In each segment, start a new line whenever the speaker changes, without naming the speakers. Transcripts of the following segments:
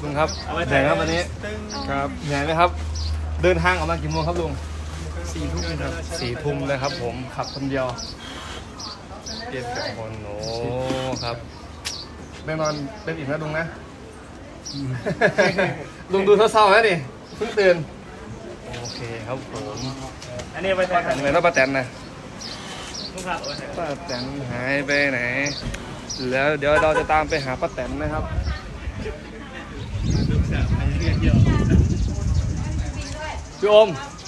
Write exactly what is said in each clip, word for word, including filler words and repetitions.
ลุงครับเหนื่อยครับวันนี้ครับเหนื่อยไหมครับเดินทางออกมากี่โมงครับลุงสี่ทุ่มครับสี่ทุ่มเลยครับผมขับคนเดียวเปลี่ยนกับคนโอ้ครับได้นอนเป็นอิ่มแล้วลุงนะลุงดูเศร้าๆนะดิเพิ่งตื่นโอเคครับผมอันนี้ไปแตนเหมือนว่าป้าแตนนะป้าแตนหายไปไหนแล้วเดี๋ยวเราจะตามไปหาป้าแตนนะครับพี่โอม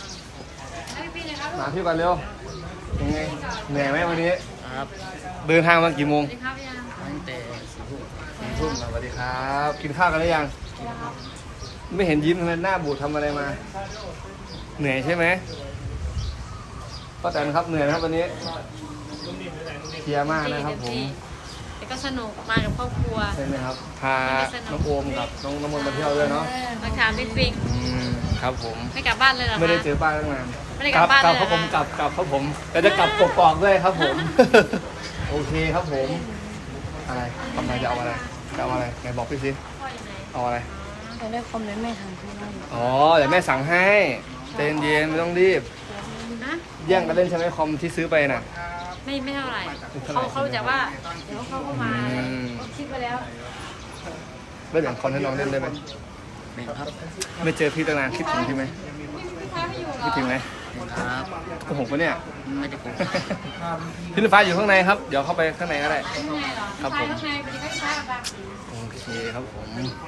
มาพี่ก่อนเร็วยังไงเหนื่อยไหมวันนี้ครับเดินทางมากี่โมงตั้งแต่สี่ทุ่มสี่ทุ่มสวัสดีครับกินข้าวกันหรือยังไม่เห็นยิ้มทำไมหน้าบูดทำอะไรมาเหนื่อยใช่ไหมป้าแตนครับเหนื่อยนะครับวันนี้เคลียร์มากนะครับผม
แต่ก็สนุกมากับครอบครัว
ใช่ไหมครับพาน้องโอมกับน้องน้ำมนต์มาเที่ยวด้วยเนาะ
มาถามบิ๊กบิ๊ก
ครับผม
ไม่กลับบ้านเลยเหรอ
ไม่ได้เจอป้าตั้งนาน
ไม่ได้กลับบ้านเลย
กลับครับผมกลับกลับครับผมแต่จะกลับกกอกด้วยครับผมโอเคครับผมอะไรทำไมจะเอาอะไรจะเอาอะไรไหนบอกพี่สิเอาอะไร
จะได้คอมเมนต์แม่ทำที่นั่น
อ๋อเดี๋ยวแม่สั่งให้เย็นเย็นไม่ต้องรีบแย่งกันเล่นใช่ไหมคอมที่ซื้อไปน่ะ
ไม่ไม่เท่าไหร่เขาเขาจะว่าเดี๋ยวเขาเข้ามาคิดไปแล้ว
ไม่แบ่งคอมให้น้องเล่นได้ไหมไม่ครับไม่เจอพี่ตั้งนานคิดถึงพี่ไหมคิดถึงไหมครับโกหกปะเนี่ยไม่ได้โกหกพี่ฟ้าอยู่ข้างในครับเดี๋ยวเข้าไปข้างในก็ได้ครับผมโอเคครับผม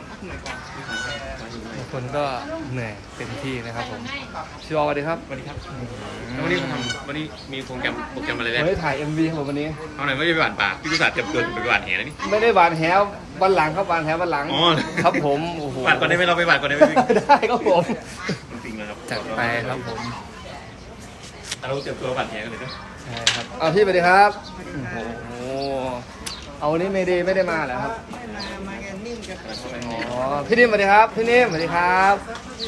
ทุกคนก็เหนื่อยเต็มที่นะครับผมชิวสวัสดีครับ
สวัสดีครับวันนี้ทำวันนี้มีโปรแกรมโปรแกรมอะไรเนี่ย
ไม่ได้ถ่าย เอ็ม วี ครับวันนี้
เอาไหนไม่ได้หวานปากพี่กุศลเตรียมตัวไปหวานแหนะนี่
ไม่ได้หวานแหวันหลังครับหวานแหวันหลังครับผมโอ้โห
หวานก่อนได้ไหมเราไปหวานก่อนได้ไหม
ได้ครับผม
จริงๆนะครับ
จัดไปครับผม
เราเตรียมตัวหวานแหกันเลยนะ
ใช่ครับเอาพี่ไปดีครับโอ้โหเอาวันนี้ไม่ได้ไม่ได้มาเหรอครับอ๋อพี่นิ่มสวัสดีครับพี่นิ่มสวัสดีครับ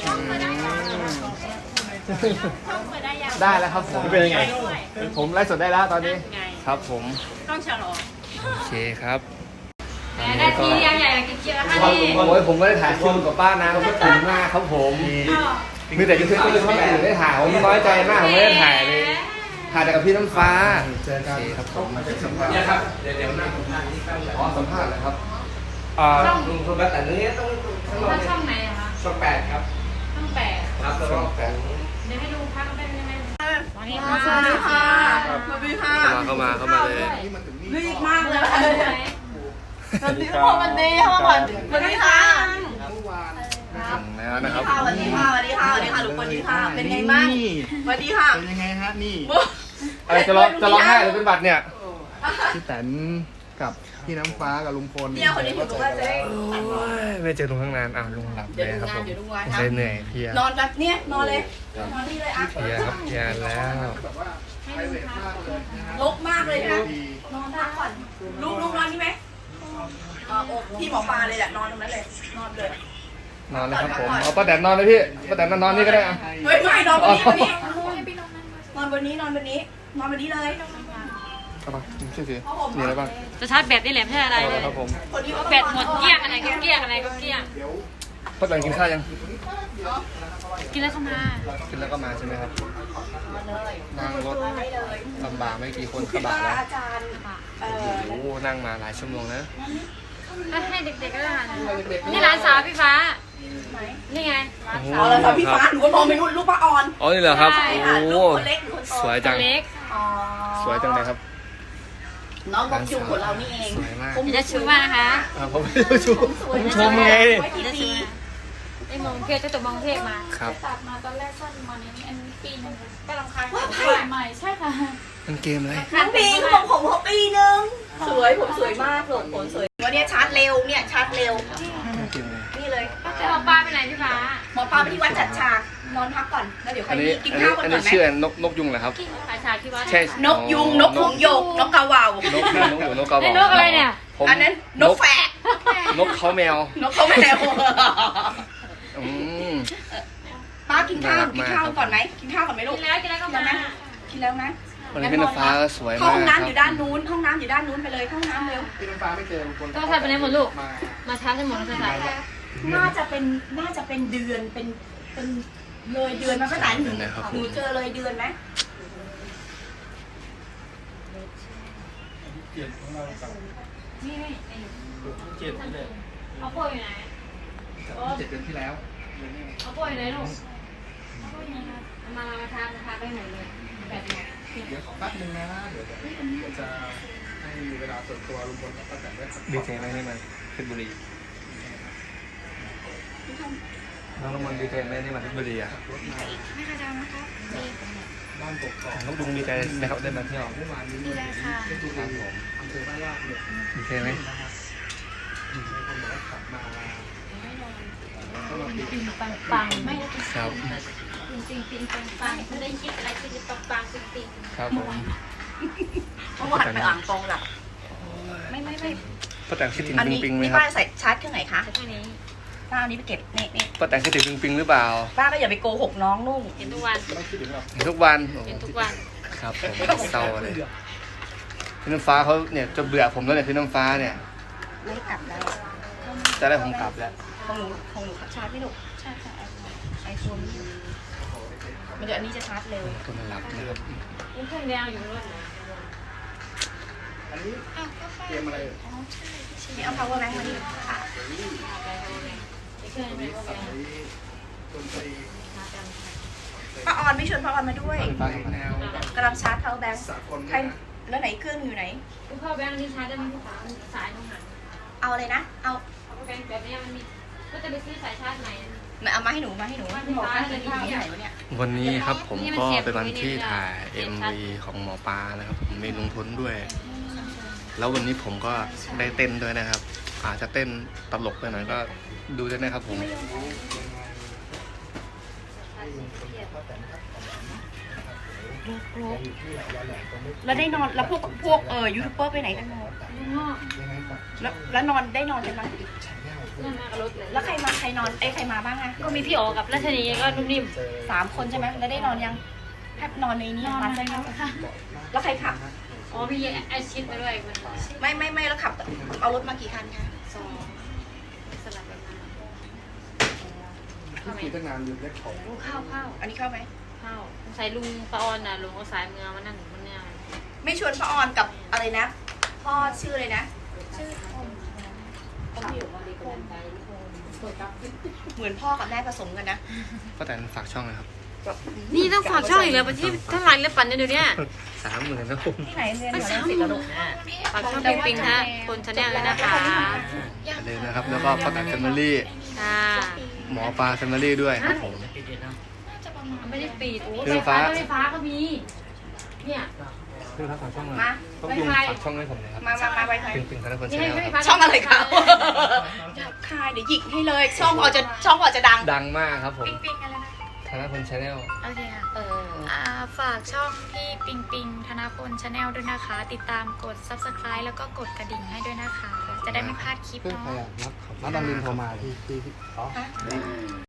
ได้แล้วครับผม
เป็นยังไง
ผมไลฟ์สดได้แล้วตอนนี้ครับผม
ต้องฉลอง
โอเคครับ
ได้ทียังใหญ่กินเกี๊ยวค่ะนี่
โอ้ยผมไม่ได้ถ่ายคิวกับป้านะก็ถึงมากครับผมมีแต่ยูทูบก็เลยช่องอื่นได้ถ่ายผมน้อยใจมากผมไม่ได้ถ่ายเลยถ่ายแต่กับพี่น้ำฟ้าเจอกันครับผมเนี่ยครับเดี๋ยวเดี๋ยวนั่งอ๋อสัมภาษณ์เลยครับอ่าลุงคนละแต่เนี้ยต้อง
ช่องไหนอะคะ
ช่องแปดครับ
ช่องแปด
ครับช่องแปด
เดี๋ยวให้ดูพักได้ไหมสวัสดีค่ะ
สวัสดีค่ะสวัสดีค่ะ
เข้ามาเข้ามาเลย
รีบมากเลยสวัสดีค่ะวันนี้ค่ะวันสวัสดีค่ะ
แล้วนะครับ
สวัสดีค่ะสวัสดีค่ะสวัสดีค่ะลูกสวัสดีค่ะเป็นไงบ้างสวัสดีค่ะ
เป็นยังไงฮะนี่
อะไรจะร้องจะร้องไห้หรือเป็นบัตรเนี่ย
พี่แตนกับพี่น้ำฟ้ากับลุงพล
เนี่ยคนนี้ถึงรู้ว่าจะ
ไม่เจอลุงทั้งนานอ้าวลุงหลับเลยครับผมเลยเหนื่อยเพีย
นอนแบบเนี้ยนอนเลยนอนที่เลยอ่ะ
เพียครับเพียแล้ว
ลกมากเลยนะนอนพักก่อนลูกลูกนอนนี่ไหมอ๋อพี่หมอปลาเลยแหละนอนตรงนั้นเลยนอนเลย
นอนเลยครับผมเอาป้าแตนนอนเลยพี่ป้าแตนนอนนี่ก็ได้อ่ะ
เฮ้ยไม่นอนบนนี้บนนี้นอนบนนี้นอนบนนี้นอนบนนี้เลย
ครับผมช่วยสิมีอะไรบ้าง
จะชาร์จแบตนี่แหละไม่ใช่อะไรเลย
ครับผม
แบตหมดเกลี้ยงอะไรก็เกลี้ยงอะไรก็เกลี้ยง
ป้าแตนกินข้าวยัง
กินแล้วเข้ามา
กินแล้วก็มาใช่ไหมครับนั่งรถลำบากไม่กี่คนกระบะแล้วโอ้โหนั่งมาหลายชั่วโมงนะ
ให้เด็กๆก็ได้นี่ร้านสาวพี่ฟ้านี่ไงร้านสาว
ร้านสาวพี่ฟ้าหนูก็มองไปนู่นลูกป้าออน
อ๋อนี่เหรอครับโอ้
คนเล็กคนโต
สวยจัง
เล็ก
สวยจังเลยครับ
น้องบอกจุ่มของเรานี่เอง
ผมจะชูมากนะคะ
ผมไม่ได้ชูผมชมไง
จะชูไอ้มองเทพจะตกมองเทพมา
ครับ
ตัดมาตอนแรกสั้นมาในนี้อันนี้ปีนึงก็รำคาญใหม่ใช่ค่ะ
มันเกมอะไร
น้องปีเขาบอกผมเขาปีนึงสวยผมสวยมากหลงผมสวยวันนี้ชาร์จเร็วเนี่ยชาร์จเร็วนี่เลย
จะหมอปลาไปไหนพี่ฟ้า
หมอปลาไปที่วัดจัดฉากนอนพักก่อนแล้วเดี๋ยวค่อยกินข้าวกันก่อนไหม
อันนี้ชื่อนกนกยุงเหรอครับ
ฉากที่วัด
ใช่
นกยุงนกหงส์หยกนกกระว่าวน
กนกอยู่นกกระว่าวน
กอะไรเนี่ย
อันนั้นนกแฝก
นกเขาแมวน
กเขาแมว
อืม
ป้ากินข้าวกินข้าวก่อนไหมกินข้าวก่อนไหมลูก
กินแล้วกินแล้วก็มา
กินแล้วนะ
วันนี้พี่น้ำฟ้าสวยมาก
ห้องน้ำอยู่ด้านนู้นห้องน้ำอยู่ด้านนู้นไปเลยห้องน้ำเร็ว
พี่น้ำฟ้าไม่เจอลุงพล
ก็ใส่ไปไหนหมดลูกมาช้าให้หมดแล้วใส่
พ
น่าจะเป็นน่าจะเป็นเดือนเป็นเป็นเลยเดือนมาตั้งแต่หนูหนูเจอเลยเดือนไหม
นี่นี่
เจ็ดนี่แหละ
เอาป่วยอยู่ไหน
เจ็ดเดือนที่แล้ว
เอาป่วยอยู่ไหนลูกเอาป่วยอยู่ไหนครับเอามามาทามาทาไปไหนเลยแบบไหน
เดี๋ยวขอแป๊บนึงนะเดี๋ยวเดี๋ยวจะให้เวลาส่วนตัวลุงพลกับป้าแตนได้สัก
ดีใจไหมที่มาเพชรบุรีน้องน้ำมันดีใจไหมที่มาเพชรบุรีอ่ะ
ไม่กระจังนะคะ
บ้านกกอก
น้องดุงดีใจนะครับได้มาเที่ยว
เมื่อวานนี้
ดีเลยค่ะ
เพชรบุรีอำเภอบ้านลาดเนี่ย
ดีใจไหม
มีคนบอกว่าขับมาก็มาปิด
ปิงปังปังไม่ได้
ครับ
ปิงปิงปิงปังปังไม่ได้คิดอะไรคือจะปังปังปิงปิง
ครับผม
เมื่อวานไปอ่างทองหลับไม่ไม่ไม่
ป้าแตงคิดถึง
อัน
ปิง
นี้
ปิงไหม
นี่
ครั
ป้า
บ
ใส่ชาร์จเครื่องไหนคะ
แต่แค่นี้
ป้าเอานี้ไปเก็บนี่นี่
ป้าแตงคิดถึงปิงปิงหรือเปล่า
ป้าก็อย่าไปโกหกน้องนุ่ง
เห็นทุกวัน
ไม่คิดถึงหรอก
เห็นทุกวัน
เห็นทุกวัน
ครับผมเศร้าเลยพี่น้ำฟ้าเขาเนี่ยจะเบื่อผมแล้วเนี่ยพี่น้ำฟ้าเนี่ย
ไม่กลับแล้ว
จะได้ผมกลับแล้ว
ของหนูของหนูชาร์จไม่หนุก
ใช่ค่ะ
ไอโฟนมันเดี๋ยวอันนี้จะชาร์จเร็ว
คนมันรับนะครับ
นี่เครื่องแดงอยู่รถนะ
อันนี้
อ้าวก็ไป
เตรียมอะไร
อ๋อใช่ใช่
นี่เอา power bank มาดิค่ะ
นี่เครื่องแดงก็
ใส่
แดง
ดนตรี
ป้าออนไม่ชวนป้าออนมาด้วย
ใส่แนวแบบ
กำลังชาร์จ power bank
สากล
ใครแล้วไหนเครื่องอยู่ไหน
ลูกเข้าแบงค์นี่ชาร์จได้ไหมพี่ฟ้าสายตรงไหน
เอาเลยนะ เอา
เอาแบงค์แบบนี้มันมีก็จะไปซื้อสายชาร์จไหน
มาเอามาให้หนูมาให้หนู
ว่าพี่ฟ้าจะ
ที่
มี
ไหนวะเนี่ย
วันนี้ครับผมก็เป็นวันที่ถ่าย เอ็ม วี ของหมอปลานะครับผมมีลุงพลด้วย แล้ววันนี้ผมก็ได้เต้นด้วยนะครับ อาจจะเต้นตลกไปหน่อยก็ดูด้วยนะครับผม
แล้วได้นอนแล้วพวกพวกเออยูทูบเบอร์ไปไหนกันหมด
ลุงงอก
แล้วแล้วนอนได้นอนกันไหม
นั่นมากับรถเลย
แล้วใครมาใครนอนเอ้ยใครมาบ้างอะ
ก็มีพี่โอกับราชนีก็นุ่มนิ่ม
สามคนใช่ไหมแล้วได้นอนยังแทบนอนในนี้
นอน
มา
มา
ใช่ไหม
แล้วค่ะ
แล้วใครขับ
อ๋อมีไอชิดมาด้วยคน
ไม่ไม่ไม่แล้วขับเอารถมากี่คันคะ
สองสลับกันมาเข้าไหม
ขี่ตั้งนานลืมเล็กของ
ลูกเข้าเข้า
อันนี้เข้าไหม
เข้าใส่ลุงปะออนน่ะลุงเอาสายเมืองมานั่งอยู่บนเนี่ย
ไม่ชวนป้าออนกับอะไรนะพ่อชื่ออะไรนะ
ชื่อคม
เหมือนพ่อกับแม่ผสมกันนะ
ก็แต่ฝากช่องนะครับ
นี่ต้องฝากช่องอีกแล้วประเทศเท่าไหร่แล้วปั่นเดี๋ยวนี้
สามหมื่นนะผม
ที่ไหนเรียนอยู่รังสิตแล้วลูก
ฝากช่องปิงปิงฮะคนชาแนลเลยนะคะ
อย่าลืมนะครับ แล้วก็ป้าแตนแฟมิลี่
ค่ะ
หมอปลาแฟมิลี่ด้วยครับผม
ไม่ได้ปิด
เครื่
ไฟ
อง
ฟ้า
ฟ้า
ไฟฟ้าก็มี เนี่ย
เพื่อนครับฝากช่องหน่อย
มา
ต้องลุงฝากช่องให้ผมหน่อยครับ
มามามาไวไฟ
ปิงปิงธนพล
นี่
ชา
ให้
แนล
ให้
ค
ไฟ
รับ
ฟ้า
ช่องอะไรคะหยาบคายเดี๋ยวหยิกให้เลย ช่องพอจะช่องพอจะดัง
ดังมากครับผม
ปิงปิงอะไรนะ
ธนพลชาแนล
โอเคค่ะ
เออ
อ่าฝากช่องพี่ปิงปิงธนพลชาแนลด้วยนะคะ ติดตามกด ซับสไครบ์ แล้วก็กดกระดิ่งให้ด้วยนะคะ จะได้ไม่พลาดคลิป
เพื่อนใคร
เนาะ
อ่ะนัดนัดดำรินโทรมาที่ที่ที่อ๋อ